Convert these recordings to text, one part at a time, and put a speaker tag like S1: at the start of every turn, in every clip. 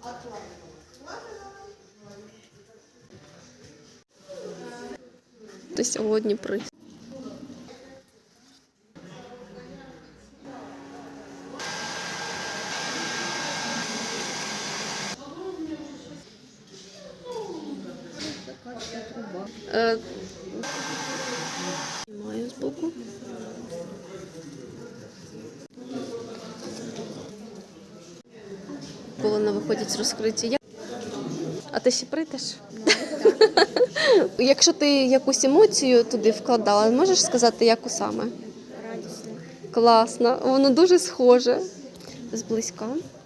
S1: Ти сьогодні приз. Знімаю збоку. Колона виходять розкриті. А ти ще прийдеш? Якщо ти якусь емоцію туди вкладала, можеш сказати, яку саме?
S2: Радісно.
S1: Класно. Воно дуже схоже. Зблизька.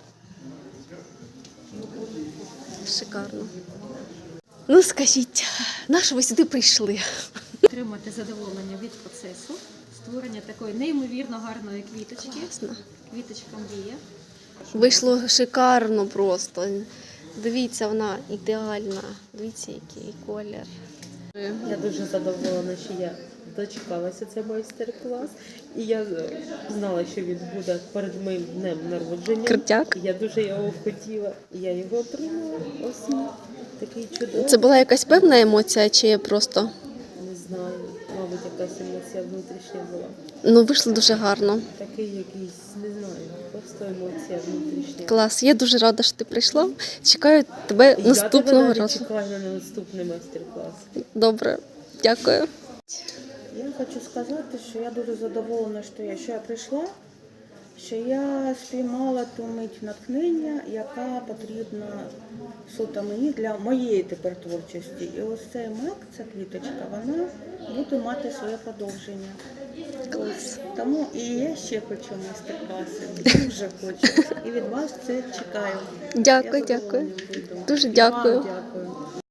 S1: Шикарно. Ну, скажіть, на що ви сюди прийшли?
S2: Отримати задоволення від процесу, створення такої неймовірно гарної квіточки.
S1: Класно.
S2: Квіточка мрія.
S1: Вийшло шикарно просто. Дивіться, вона ідеальна. Дивіться, який колір.
S3: Я дуже задоволена, що я дочекалася цей майстер-клас. І я знала, що він буде перед моїм днем народження.
S1: Крутяк.
S3: Я дуже його хотіла. І я його отримала. Ось він. Такий чудовий.
S1: Це була якась певна емоція, чи просто?
S3: Не знаю, мабуть, якась емоція внутрішня була.
S1: Ну, вийшло дуже гарно.
S3: Такий якийсь, не знаю, просто емоція внутрішня.
S1: Клас. Я дуже рада, що ти прийшла. Чекаю тебе наступного
S3: Я
S1: разу.
S3: чекаю на наступний майстер-клас.
S1: Добре. Дякую.
S4: Я хочу сказати, що я дуже задоволена, що я прийшла, що я спіймала ту мить натхнення, яка потрібна суто мені для моєї тепер творчості. І ось цей мак, ця квіточка, вона буде мати своє продовження. Ось. Тому і я ще хочу майстер-класи, дуже хочу. І від вас це чекаю.
S1: Дякую,
S4: Я
S1: дякую.
S4: задоволена буду.
S1: Дуже
S4: І вам
S1: дякую.
S4: дякую.